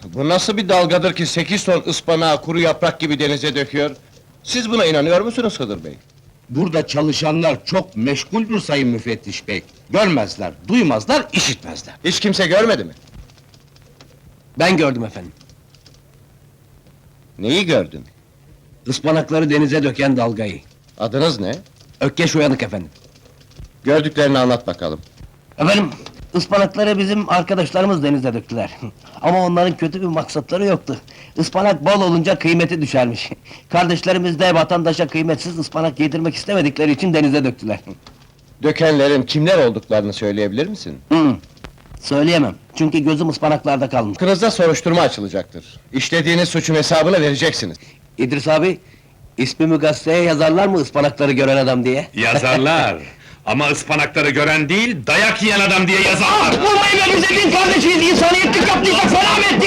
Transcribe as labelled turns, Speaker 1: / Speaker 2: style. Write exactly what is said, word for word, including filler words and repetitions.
Speaker 1: Bu nasıl bir dalgadır ki sekiz ton ıspanağı kuru yaprak gibi denize döküyor? Siz buna inanıyor musunuz Hıdır Bey?
Speaker 2: Burada çalışanlar çok meşguldür sayın müfettiş bey. Görmezler, duymazlar, işitmezler.
Speaker 1: Hiç kimse görmedi mi?
Speaker 3: Ben gördüm efendim.
Speaker 1: Neyi gördün?
Speaker 3: Ispanakları denize döken dalgayı.
Speaker 1: Adınız ne?
Speaker 3: Ökkeş Uyanık efendim.
Speaker 1: Gördüklerini anlat bakalım.
Speaker 3: Efendim, ıspanakları bizim arkadaşlarımız denize döktüler. Ama onların kötü bir maksatları yoktu. Ispanak bol olunca kıymeti düşermiş. Kardeşlerimiz de vatandaşa kıymetsiz ıspanak yedirmek istemedikleri için denize döktüler.
Speaker 1: Dökenlerin kimler olduklarını söyleyebilir misin?
Speaker 3: Hı, söyleyemem, çünkü gözüm ıspanaklarda kalmış.
Speaker 1: Hakkınızda soruşturma açılacaktır. İşlediğiniz suçun hesabını vereceksiniz.
Speaker 3: İdris abi, ismimi gazeteye yazarlar mı ıspanakları gören adam diye?
Speaker 4: Yazarlar! Ama ıspanakları gören değil, dayak yiyen adam diye yazarlar!
Speaker 3: Vurmayın be, biz de din kardeşiyiz, insaniyetlik yaptıysak selam ettik!